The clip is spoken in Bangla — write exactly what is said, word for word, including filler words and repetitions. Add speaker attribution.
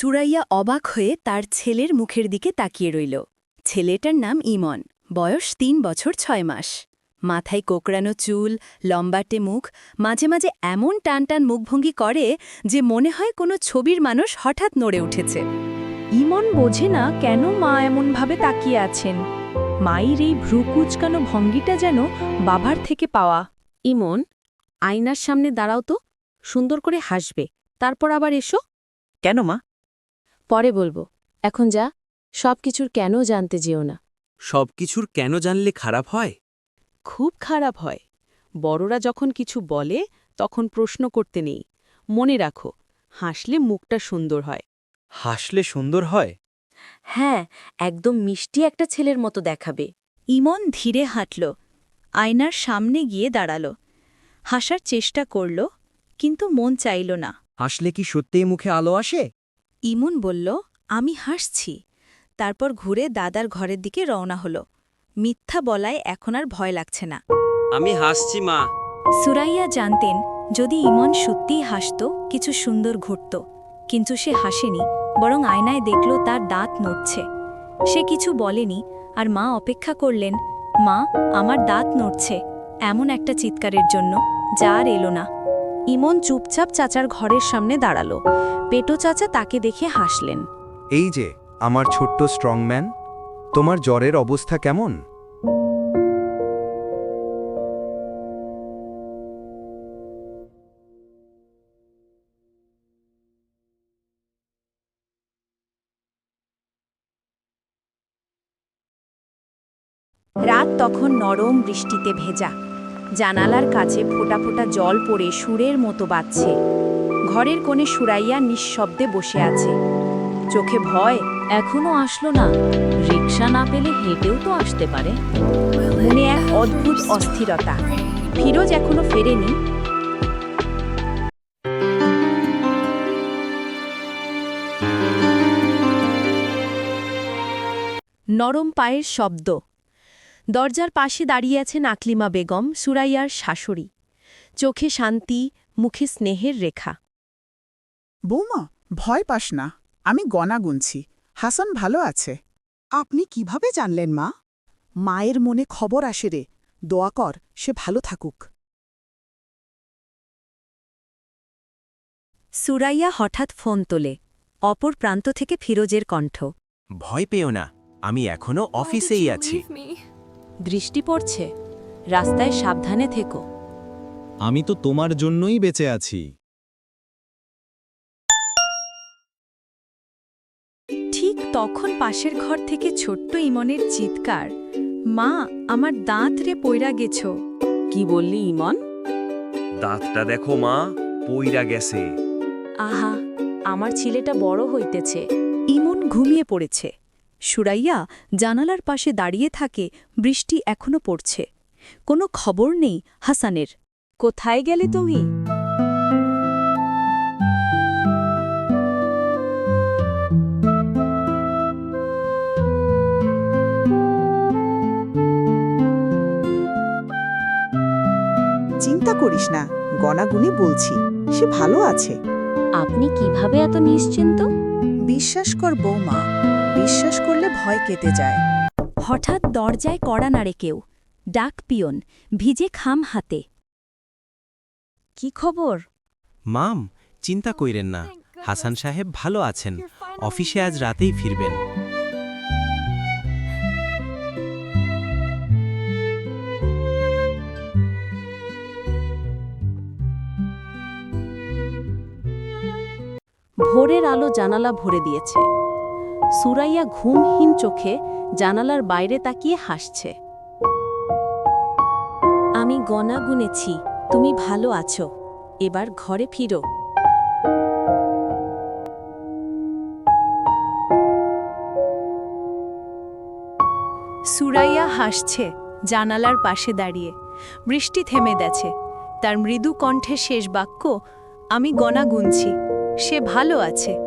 Speaker 1: সুরাইয়া অবাক হয়ে তার ছেলের মুখের দিকে তাকিয়ে রইল। ছেলেটার নাম ইমন, বয়স তিন বছর ছয় মাস। মাথায় কোকড়ানো চুল, লম্বাটে মুখ, মাঝে মাঝে এমন টান টান মুখভঙ্গি করে যে মনে হয় কোনো ছবির মানুষ হঠাৎ নড়ে উঠেছে।
Speaker 2: ইমন বোঝে না কেন মা এমনভাবে তাকিয়ে আছেন। মায়ের এই ভ্রু কুচকানো ভঙ্গিটা যেন বাবার থেকে পাওয়া।
Speaker 3: ইমন, আয়নার সামনে দাঁড়াও তো, সুন্দর করে হাসবে, তারপর আবার এসো।
Speaker 4: কেন মা?
Speaker 3: পরে বলবো, এখন যা, সব কিছুর কেন জানতে যেও না।
Speaker 4: সব কিছুর কেন জানলে খারাপ হয়?
Speaker 3: খুব খারাপ হয়। বড়রা যখন কিছু বলে তখন প্রশ্ন করতে নেই। মনে রাখো, হাসলে মুখটা সুন্দর হয়।
Speaker 4: হাসলে সুন্দর হয়?
Speaker 3: হ্যাঁ, একদম মিষ্টি একটা ছেলের মতো দেখাবে।
Speaker 1: ইমন ধীরে হাঁটল, আয়নার সামনে গিয়ে দাঁড়াল। হাসার চেষ্টা করল, কিন্তু মন চাইল না।
Speaker 4: হাসলে কি সত্যিই মুখে আলো আসে?
Speaker 1: ইমন বলল, আমি হাসছি। তারপর ঘুরে দাদার ঘরের দিকে রওনা হল। মিথ্যা বলায় এখন আর ভয় লাগছে না।
Speaker 4: আমি হাসছি মা।
Speaker 1: সুরাইয়া জানতেন, যদি ইমন সত্যিই হাসত কিছু সুন্দর ঘটত। কিন্তু সে হাসেনি, বরং আয়নায় দেখল তার দাঁত নড়ছে। সে কিছু বলেনি, আর মা অপেক্ষা করলেন, মা, আমার দাঁত নড়ছে, এমন একটা চিৎকারের জন্য, যা আর এলো না।
Speaker 3: ইমন চুপচাপ চাচার ঘরের সামনে দাঁড়ালো। পেটো চাচা তাকে দেখে হাসলেন।
Speaker 5: এই যে আমার ছোট্ট স্ট্রংম্যান, তোমার জ্বরের অবস্থা কেমন?
Speaker 2: রাত তখন নরম বৃষ্টিতে ভেজা। জানালার কাছে ফোঁটা ফোঁটা জল পড়ে সুরের মতো বাজছে। ঘরের কোণে সুরাইয়া নিঃশব্দে বসে আছে। চোখে ভয়,
Speaker 3: এখনো আসলো না। রিকশা না পেলে হেঁটেও তো আসতে পারে।
Speaker 2: মনে এক অদ্ভুত অস্থিরতা। ফিরোজ এখনো ফেরেনি।
Speaker 1: নরম পায়ের শব্দ। দরজার পাশে দাঁড়িয়ে আছেন আকলিমা বেগম, সুরাইয়ার শাশুড়ি। চোখে শান্তি, মুখে স্নেহের রেখা।
Speaker 6: বৌমা, ভয় পাস না, আমি গণা গুনছি। হাসান ভালো আছে। আপনি কিভাবে জানলেন মা? মায়ের মনে খবর আসে রে, দোয়া কর সে ভালো থাকুক।
Speaker 1: সুরাইয়া হঠাৎ ফোন তোলে। অপর প্রান্ত থেকে ফিরোজের কণ্ঠ।
Speaker 7: ভয় পেও না, আমি এখনো অফিসেই আছি।
Speaker 3: দৃষ্টি পড়ছে, রাস্তায় সাবধানে থেকো।
Speaker 8: আমি তো তোমার জন্যই বেঁচে আছি।
Speaker 1: ঠিক তখন পাশের ঘর থেকে ছোট্ট ইমনের চিৎকার, মা, আমার দাঁত রে পইরা গেছো।
Speaker 3: কি বললি ইমন?
Speaker 4: দাঁতটা দেখো মা, পইরা গেছে।
Speaker 3: আহা, আমার ছেলেটা বড় হইতেছে।
Speaker 1: ইমন ঘুমিয়ে পড়েছে। সুরাইয়া জানালার পাশে দাঁড়িয়ে থাকে, বৃষ্টি এখনো পড়ছে। কোনো খবর নেই হাসানের।
Speaker 3: কোথায় গেলে তুমি?
Speaker 6: চিন্তা করিস না, গণাগুনি বলছি, সে ভালো আছে।
Speaker 3: আপনি কিভাবে এত নিশ্চিন্ত?
Speaker 6: বিশ্বাস কর বৌমা, বিশ্বাস করলে ভয় কেটে যায়।
Speaker 1: হঠাৎ দরজায় কড়া নাড়ে কেউ। ডাক পিয়ন, ভিজে খাম হাতে।
Speaker 3: কি খবর?
Speaker 7: মাম, চিন্তা কইরেন না, হাসান সাহেব ভালো আছেন। অফিসে আজ রাতেই ফিরবেন।
Speaker 3: ভোরের আলো জানালা ভরে দিয়েছে। সুরাইয়া ঘুমহীন চোখে জানালার বাইরে তাকিয়ে হাসছে। আমি গণা গুনেছি, তুমি ভালো আছো, এবার ঘরে ফিরো।
Speaker 1: সুরাইয়া হাসছে, জানালার পাশে দাঁড়িয়ে। বৃষ্টি থেমে গেছে। তার মৃদু কণ্ঠে শেষ বাক্য, আমি গণা গুনছি, সে ভালো আছে।